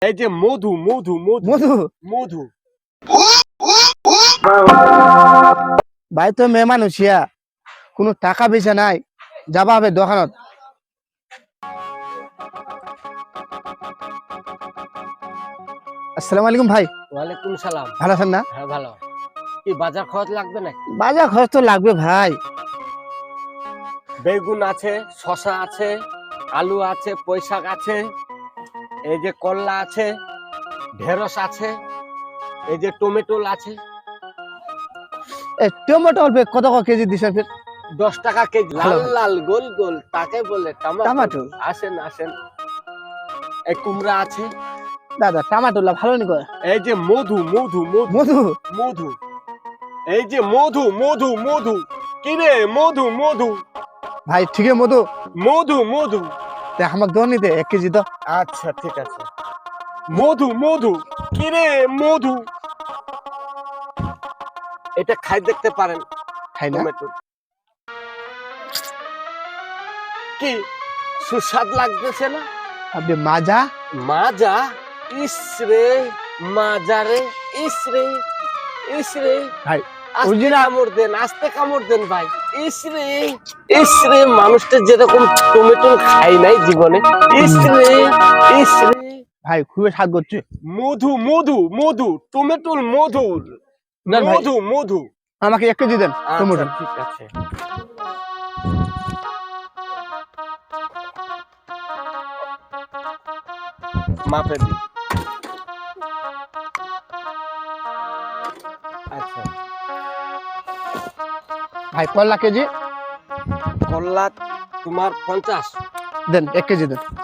এই যে মধু মধু মধু মধু মধু ভাই তো মেয়ে মানুষিয়া কোনো টাকা পয়সা নাই, যাবা হবে দোকানত। আসসালামু আলাইকুম ভাই, ওয়ালাইকুম সালাম। ভালো আছেন না? হ্যাঁ ভালো। কি বাজার খরচ লাগবে নাকি? বাজার খরচ তো লাগবে ভাই। বেগুন আছে, শসা আছে, আলু আছে, পুঁইশাক আছে, এই যে করলা আছে, ঢেঁড়স আছে, এই যে টমেটো আছে। টমেটো অল্প কত কেজি দিছেন? 10 টাকা কেজি। ভালো। লাল লাল গোল গোল তাকে বলে টমেটো। টমেটো। আসেন আসেন। এই কুমড়া আছে। দাদা টমেটো ভালো নি কয়? এই যে মধু মধু মধু মধু মধু, এই যে মধু মধু মধু, কিরে মধু মধু ভাই ঠিকই মধু। মধু মধু। আমাকে দোন নিতে 1 কেজি তো। আচ্ছা ঠিক আছে। মধু মধু, কিরে মধু, এটা খাই দেখতে পারেন। খাই না? টমেটো কি সুস্বাদ লাগতেছে না? আপনি মাজা মাজা, ইসরে মাজারে, ইসরে ইসরে। ভাই আস্তে original- কামড় দেন, আস্তে কামড় দেন ভাই। ইসরে ইসরে, মানুষটা যেরকম টমেটো খাই নাই জীবনে। ইসরে ইসরে। ভাই খুবই স্বাদ করছে। মধু মধু মধু, টমেটোর মধু, দেন ভাই, মধু মধু। আমাকে 1 কেজি দেন টমেটো। আচ্ছা, ঠিক আছে। মাপে দিন। আচ্ছা, ভাই করলা কেজি করলা তোমার 50। দেন, 1 কেজি দেন।